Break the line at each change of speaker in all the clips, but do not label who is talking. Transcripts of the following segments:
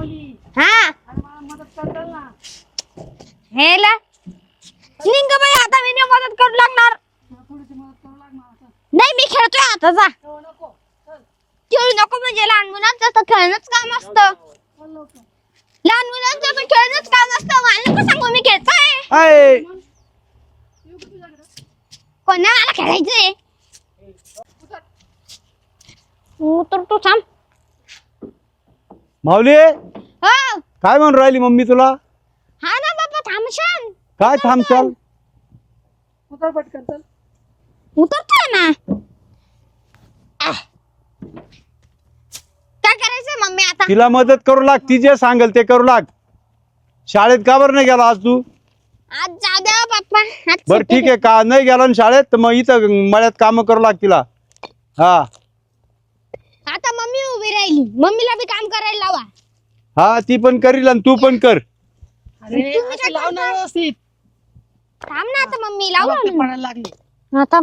हा हेला निघ बाई आता मी नाही मदत करू लागणार. नाही मी खेळतोय आता जा. खेळू नको म्हणजे लहान मुलांचं तर खेळणंच काम असतं. लहान मुलांचं पण खेळणंच काम असतं. मला नको सांगू मी खेळतोय. कोणा मला खेळायचंय तर तू थांब.
माऊली
हो
काय म्हणून राहिली मम्मी तुला?
हा ना बाबा थांबशान.
काय थांबशाल?
उतर पटकन चल.
उतरतोय ना. काय करायचंय मम्मी आता?
तिला मदत करू लाग. ती जे सांगेल ते करू लाग. शाळेत का बरं नाही गेला आज तू?
आज जाऊ द्या बाप्पा.
बरं ठीक आहे का नाही गेला ना शाळेत तर मग इथं मळ्यात काम करू लाग तिला. हा
आता मम्मी उभी राहिली. मम्मीला बी काम करायला लावा.
हा ती पण करील आणि तू पण कर.
अरे असं लाव ना व्यवस्थित.
थांब ना आता मम्मी लावू
ते पडायला लागली.
आता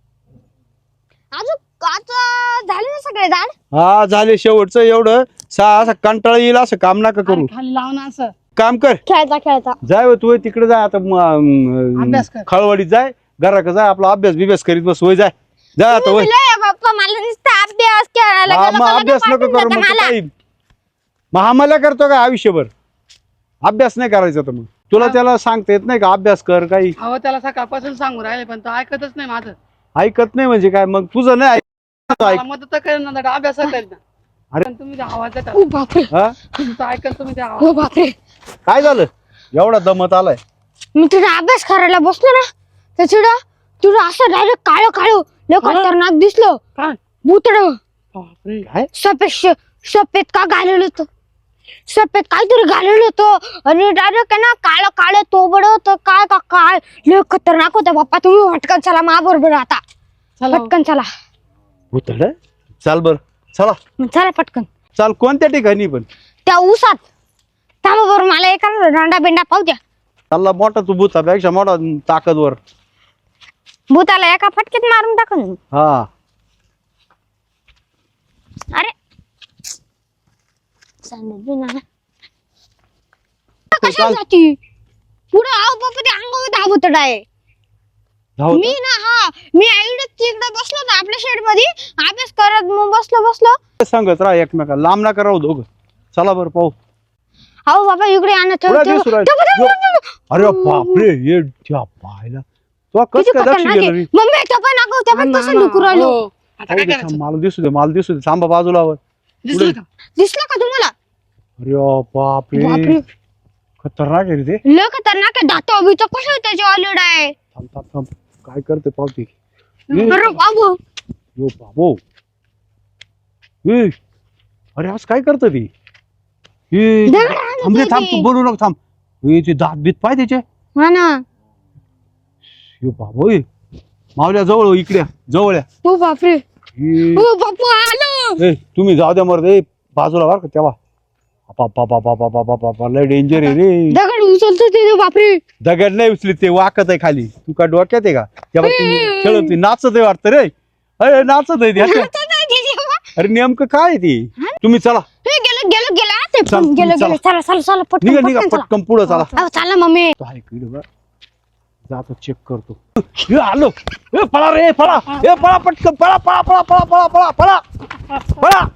अजून आता झाले ना सगळे झाड.
हा झाले शेवटचं एवढं. असं कंटाळा येईल असं काम नका करू.
खाली लाव ना असं.
काम कर.
खेळता खेळता
जाय तू तिकडे जाय आता
अभ्यास कर.
खळवडीत जाय घराकडे जाय आपला अभ्यास बिभ्यास करीत बस. वय जाय जाय आता वय.
बाप्पा मला नुसता अभ्यास करायला
हा
गेलं
मग
का
अभ्यास
लगेच
नको करू
पाठवून
मग
देता
काही महामला करतो का आयुष्यभर? अभ्यास नाही करायचा तर मग तुला त्याला सांगता येत नाही का अभ्यास कर काही?
अहो त्याला सकाळपासून सांगू राहिले पण तो ऐकतच नाही माझं.
ऐकत नाही म्हणजे काय मग तुझं नाही
मला मदत कर ना अभ्यास कर ना.
अरे.
पण तुम्ही त्या आवाज देता.
ओ बापरे
हा?
तुमचं ऐकल तुम्ही त्या
ओ
आवाज.
बापरे.
काय झालं एवढा दमत आलाय?
मी तुझा अभ्यास करायला बसलो ना तर तुझं असं डायरेक्ट काळं काळं लय खतरनाक दिसलं.
काय?
भूतड
बापरे.
काय
सफेद का घालेलं होतं. सफेद काहीतरी घालेलं होतं आणि डायरेक्ट आहे ना काळं काळं तोबड होतं. काय का काय लय खतरनाक होतं बाप्पा. तुम्ही पटकन चला मा बरोबर आता.
चला.
पटकन चला
भूतड चाल बर चला
चला पटकन.
चाल. कोणत्या ठिकाणी पण?
त्या ऊसात थांबा बरं मला एका रांडा बिंडा पाहू द्या.
चालला मोठा तू भूतापेक्षा मोठा ताकदवर.
भूताला एका फटक्यात मारून टाकून.
हा
अरे कशाला
चाल.
जाती पुढे आव बापा ते अंगावर धावत आहे.
धावतो.
मी ना हा मी आईडच तिकडे बसलो ना आपल्या शेड मध्ये अभ्यास करत मग बसलो
सांगत राहा एकमेकाला लांब नका राहू दोघं. चला बरं पाहू.
अहो बाबा इकडे आणत
पुढे दिसू राहिलं. अरे बापरे हे त्या पाहायला तो कस काय लक्ष गेलं रे?
मम्मी तो पण अगं त्या पण कसं दुखू राहिलो.
हो. आता काय करायचं?
मला दिसू दे थांबा बाजूला वर.
दिसलं का?
दिसलं का तुम्हाला?
अरे बापरे
बापरे
खतरनाक आहे रे ते.
लय खतरनाक आहे. दात अभित कसं त्याचे ऑलरेडी आहे.
थांब काय करते पावती?
अरे बाबू
यो बाबो अरे आज काय करत ती? थांब रे थांब तू बोलू नको थांब. ते दात बीत पाय त्याचे.
हा ना.
यो बाबो मावल्या जवळ इकडे जवळ या.
ओ बापरे ओ बापू आलो.
तुम्ही जाऊ द्या मरदे बाजूला बर का तेव्हा. बाबा लय डेंजर आहे रे.
दगड उचलतो ते बापरे.
दगड नाही उचली ते वाकत आहे खाली. तू का डोक्यात आहे का? तेव्हा ती खेळत नाचत आहे वाटतं रे. अरे नाचत आहे ते. अरे नेमकं काय आहे ती? तुम्ही चला
गेलं ते
चल,
गेलं
चला.
चला
निघा
पटकन चला.
पटकन पुढं चला.
अहो, चला मम्मी.
तो आहे इकडे बघ. जातो चेक करतो. हे आलो. पळा रे पळा. हे पळा पटकन पळा पळा पळा पळा पळा पळा पळा पळा